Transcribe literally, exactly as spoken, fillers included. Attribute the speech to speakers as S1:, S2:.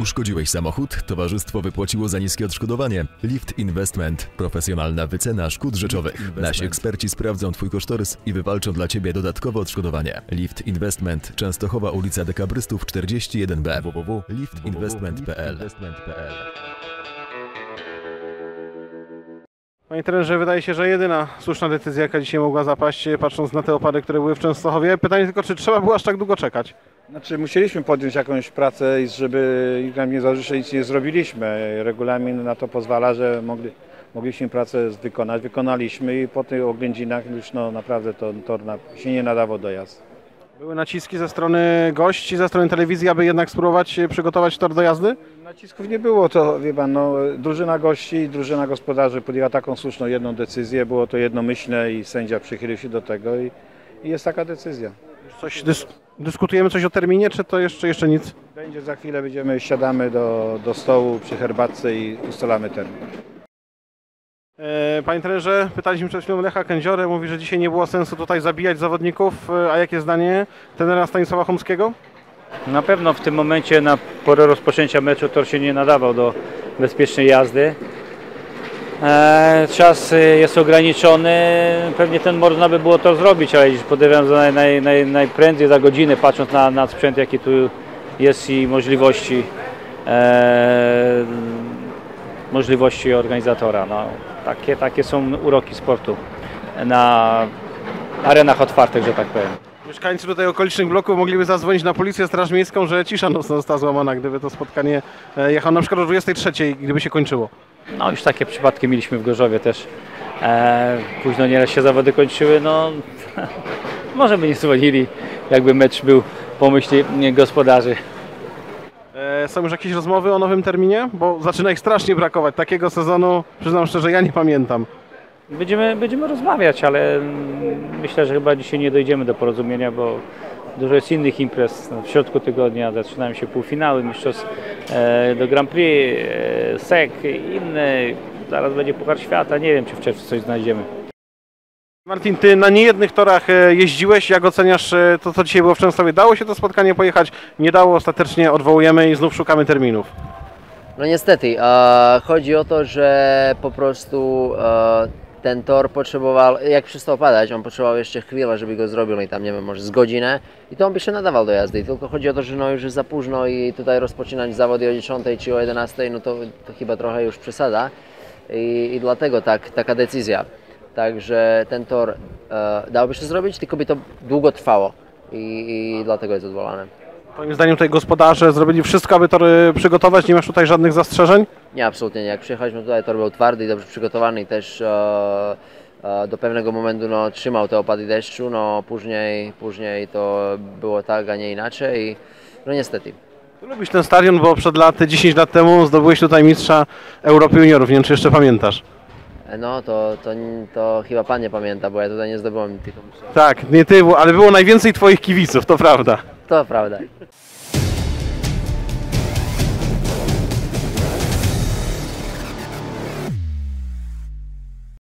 S1: Uszkodziłeś samochód? Towarzystwo wypłaciło za niskie odszkodowanie. Lift Investment. Profesjonalna wycena szkód rzeczowych. Nasi eksperci sprawdzą Twój kosztorys i wywalczą dla Ciebie dodatkowe odszkodowanie. Lift Investment. Częstochowa, ulica Dekabrystów czterdzieści jeden B. w w w kropka lift investment kropka p l.
S2: Panie trenerze, wydaje się, że jedyna słuszna decyzja, jaka dzisiaj mogła zapaść, patrząc na te opady, które były w Częstochowie. Pytanie tylko, czy trzeba było aż tak długo czekać?
S3: Znaczy, musieliśmy podjąć jakąś pracę, żeby nam nie zależy, że nic nie zrobiliśmy. Regulamin na to pozwala, że mogli, mogliśmy pracę wykonać. Wykonaliśmy i po tych oględzinach już no, naprawdę to tor na, się nie nadawał do jazdy.
S2: Były naciski ze strony gości, ze strony telewizji, aby jednak spróbować przygotować tor do jazdy?
S3: Nacisków nie było, to wie pan, no, drużyna gości i drużyna gospodarzy podjęła taką słuszną jedną decyzję. Było to jednomyślne i sędzia przychylił się do tego i, i jest taka decyzja.
S2: Coś dys dyskutujemy coś o terminie, czy to jeszcze, jeszcze nic?
S3: Będzie za chwilę, będziemy, siadamy do, do stołu przy herbatce i ustalamy termin.
S2: Panie trenerze, pytaliśmy przed chwilą Lecha Kędziorę, mówi, że dzisiaj nie było sensu tutaj zabijać zawodników, a jakie zdanie trenera Stanisława Chomskiego?
S4: Na pewno w tym momencie, na porę rozpoczęcia meczu, tor się nie nadawał do bezpiecznej jazdy. E, czas jest ograniczony, pewnie ten można by było to zrobić, ale podejrzewam, że naj, naj, naj, najprędzej za godzinę, patrząc na, na sprzęt, jaki tu jest i możliwości, e, możliwości organizatora. No, takie, takie są uroki sportu na arenach otwartych, że tak powiem.
S2: Mieszkańcy tutaj okolicznych bloków mogliby zadzwonić na policję, straż miejską, że cisza nocna została złamana, gdyby to spotkanie jechało na przykład o dwudziestej trzeciej, gdyby się kończyło.
S4: No już takie przypadki mieliśmy w Gorzowie też. E, późno nieraz się zawody kończyły, no może by nie dzwonili, jakby mecz był po myśli gospodarzy.
S2: E, są już jakieś rozmowy o nowym terminie? Bo zaczyna ich strasznie brakować. Takiego sezonu, przyznam szczerze, ja nie pamiętam.
S4: Będziemy, będziemy rozmawiać, ale myślę, że chyba dzisiaj nie dojdziemy do porozumienia, bo dużo jest innych imprez. W środku tygodnia zaczynają się półfinały, mistrzostw e, do Grand Prix, e, S E C, inne. Zaraz będzie Puchar Świata, nie wiem, czy w czerwcu coś znajdziemy.
S2: Martin, ty na niejednych torach jeździłeś, jak oceniasz to, co dzisiaj było w Częstochowie? Dało się to spotkanie pojechać? Nie dało, ostatecznie odwołujemy i znów szukamy terminów.
S5: No niestety, e, chodzi o to, że po prostu e, ten tor potrzebował, jak przestał padać, on potrzebował jeszcze chwilę, żeby go zrobił, no i tam nie wiem, może z godzinę i to on by się nadawał do jazdy. Tylko chodzi o to, że no już jest za późno i tutaj rozpoczynać zawody o dziesiątej czy o jedenastej, no to, to chyba trochę już przesada i, i dlatego tak, taka decyzja. Także ten tor e, dałoby się zrobić, tylko by to długo trwało i, i dlatego jest odwołane.
S2: Moim zdaniem tutaj gospodarze zrobili wszystko, aby tory przygotować, nie masz tutaj żadnych zastrzeżeń?
S5: Nie, absolutnie nie. Jak przyjechaliśmy tutaj, tor był twardy i dobrze przygotowany i też e, e, do pewnego momentu no, trzymał te opady deszczu, no później, później to było tak, a nie inaczej i no niestety.
S2: Ty lubisz ten stadion, bo przed laty, dziesięć lat temu zdobyłeś tutaj mistrza Europy Juniorów, nie wiem, czy jeszcze pamiętasz?
S5: No to, to, to chyba pan nie pamięta, bo ja tutaj nie zdobyłem tylko.
S2: Tak, nie ty, ale było najwięcej twoich kibiców, to prawda.
S5: To prawda.